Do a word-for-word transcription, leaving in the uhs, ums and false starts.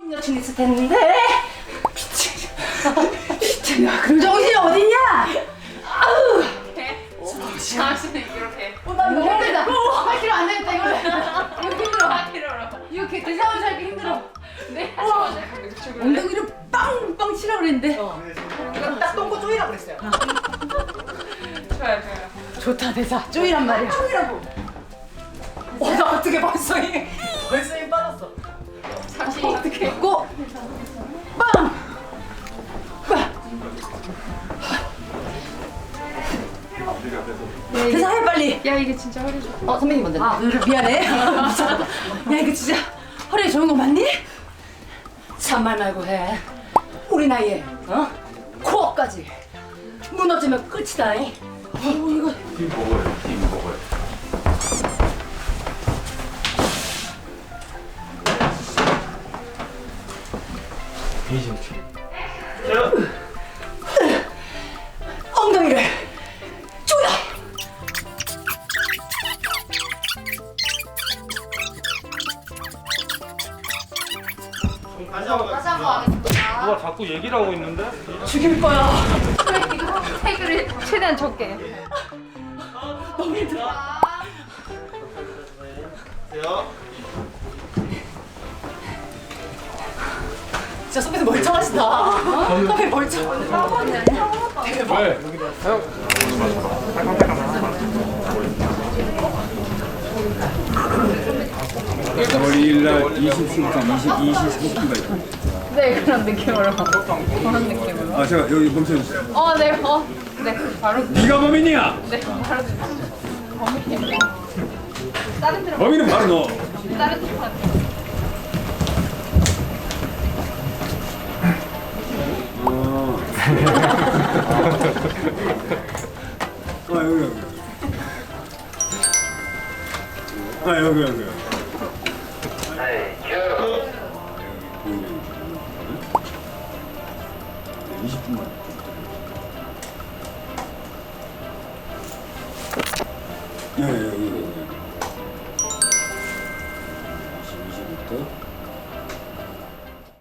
여친 있을 텐데. 미친. 야, 그런 정신이 어딨냐? 아우. 당신은 이렇게. 어, 나 이거 힘들다. 팔 킬로그램 안 되겠다 이거. 이거 힘들어. 팔 킬로그램. 이거 개 대사원 살기 힘들어. 네. 어. 엉덩이를 빵빵 치라 그랬는데. 이건 딱 똥꼬 쪼이라 그랬어요. 좋아요, 좋아요. 좋다 대사. 쪼이란 말이야. 쪼이라고. 어, 나 어떻게 벌써 힘 벌써 힘 빠졌어. 잠시 어떻게 했고 빵. 대사 해 빨리. 야 이게 진짜 허리 좋아. 어 선배님 먼저. 아 미안해. 미쳤다. 야 이거 진짜 허리에 좋은 거 맞니? 참말 말고 해. 우리 나이에 어 코어까지 무너지면 끝이다. 이. 어우 이거. 팀 먹어요. 팀 먹어요. 비심추. 엉덩이를 조여. 다시 한번 하겠습니다. 누가 자꾸 얘기를 하고 있는데? 죽일 거야. 태그를 최대한 적게. 너무 힘들어. 진짜 선배님 멀쩡하시다. 어? 선배님 멀쩡. 대박. 왜? 월요일날 이십십분, 이십삼분가 있고. 네 그런 느낌으로. 그런 느낌으로. 아, 제가 여기 멈춰주세요. 어, 네, 어, 네, 바로, 네가 범인이야! 네, 바로. 범인이 다른 데로, 범인은 바로 너. 다른 데로. 어. 아, 여기, 여기. 아, 여기, 여기. 이십 분만. 예, 예, 여기, 여기.